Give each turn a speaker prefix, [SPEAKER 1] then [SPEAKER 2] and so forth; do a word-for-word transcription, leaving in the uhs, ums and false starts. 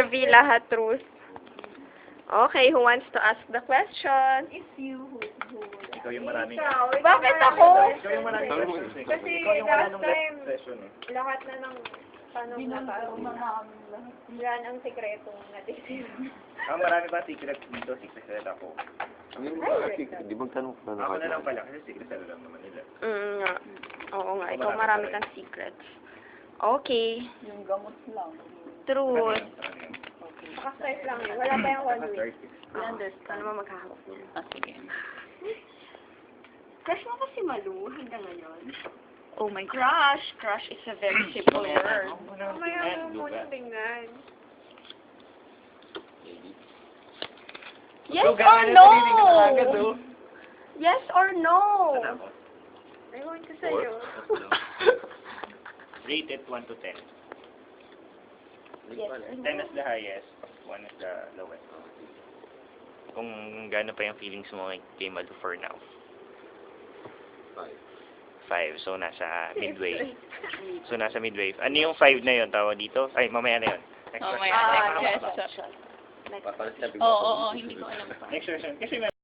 [SPEAKER 1] reveal lahat truth. Okay, who wants to ask the question?
[SPEAKER 2] It's you who, who
[SPEAKER 3] Ikaw yung maraming...
[SPEAKER 1] Bakit ako?
[SPEAKER 3] Ikaw yung maraming questions eh.
[SPEAKER 2] Kasi
[SPEAKER 3] Ikaw yung wala
[SPEAKER 2] last
[SPEAKER 3] nung
[SPEAKER 2] time,
[SPEAKER 3] last session eh.
[SPEAKER 2] lahat na ng tanong na
[SPEAKER 4] Binulong na namin lahat.
[SPEAKER 2] yan ang sikretong natin.
[SPEAKER 3] Ang marami pa secret dito, secret ako.
[SPEAKER 5] Di magtanong ka na
[SPEAKER 3] Ako na lang pala, kasi secret na lang naman nila.
[SPEAKER 1] Mm, nga. Oo nga, ikaw
[SPEAKER 3] Marami
[SPEAKER 1] marami
[SPEAKER 3] pa rin.
[SPEAKER 1] kang secrets. Okay,
[SPEAKER 4] Yung gamot lang.
[SPEAKER 1] truth.
[SPEAKER 2] Naka-start lang yun. Wala pa yung one week.
[SPEAKER 1] We understand. Ano mo maghahawak niya?
[SPEAKER 4] Ah, sige.
[SPEAKER 1] Crush mo ba si Malu hanggang ngayon?
[SPEAKER 4] Oh my God.
[SPEAKER 1] Crush. Crush is a very simple word.
[SPEAKER 2] Mamaya mo muna tingnan.
[SPEAKER 1] Yes or no? Yes or no?
[SPEAKER 2] Ewan ko sa'yo.
[SPEAKER 3] Rated one to ten.
[SPEAKER 1] Yes or no?
[SPEAKER 3] ten is the highest, one is the lowest. Kung gaano pa yung feelings mo kay Malu for now.
[SPEAKER 5] Five.
[SPEAKER 3] Five. So, nasa midway. So, nasa midway. Ano yung five na yun? Tawag dito? Ay, mamaya na yun. Next
[SPEAKER 4] Oh my
[SPEAKER 3] question.
[SPEAKER 4] God.
[SPEAKER 1] Ah,
[SPEAKER 4] Yes.
[SPEAKER 1] Next
[SPEAKER 5] Papalit na
[SPEAKER 4] Oo, oo, oo, hindi ko alam pa.
[SPEAKER 3] Next question. Kasi